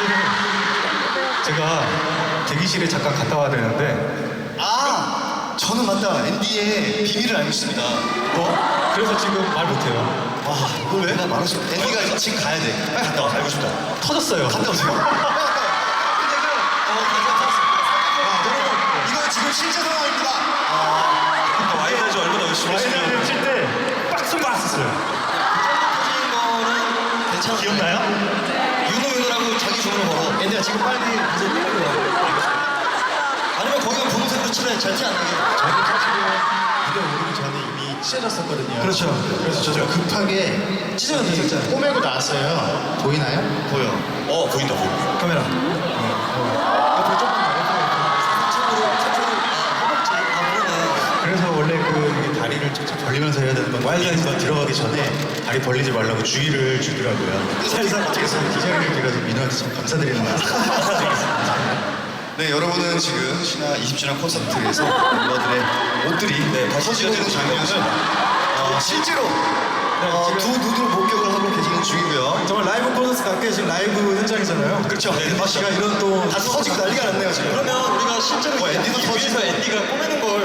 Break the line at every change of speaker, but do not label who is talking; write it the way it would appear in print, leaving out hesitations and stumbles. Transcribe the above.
사실 제가 대기실에 잠깐 갔다 와야 되는데
저는 맞다. 앤디의 비밀을 알고 있습니다.
그래서 지금 말 못해요.
와, 이걸 왜? 나 말했어. 앤디가 지금 가야 돼. 빨리 갔다 와. 알고 싶다.
터졌어요.
갔다 오세요. 이거 지금 실제 상황입니다.
와이너즈 얼마나 열심히 했으면
와이너즈 칠때 빡소리 났었어요.
터진 거는 괜찮아요.
기억나요?
윤호라고 자기 주문을 걸어. 앤디야 지금 빨리 가서 빨리 와. 아니면 거기가 분홍색으로 칠해. 잘티 안 나게.
저는 사실은 무대 오르기 전에 이미 찢어졌었거든요.
그렇죠.
그래서 저 급하게
찢어도 되셨잖아요.
꼬매고 나왔어요. 보이나요?
보여.
보인다 보인다.
카메라.
옆으로 조금 더,
허벅지. 그러네.
그래서 원래 이게 다리를 쫙쫙 벌리면서 해야 되는 건 와일드에서 들어가기 전에 다리 벌리지 말라고 주의를 주더라고요. 살살 어떻게 해서 이 자리를 빌어서 민호한테 참 감사드리는 말씀.
네, 여러분은 지금 신화 20주년 콘서트에서 멤버들의 옷들이 벗어지고 있는 장면을 실제로 두 눈으로 목격을 하고 계시는 중이고요.
정말 라이브 콘서트 같게 지금 라이브 현장이잖아요.
그렇죠.
앤디 씨가 이런 또
다 터지고 난리가 났네요 지금. 그러면 우리가 실제로 앤디도 터지고
앤디가 꼬매는 걸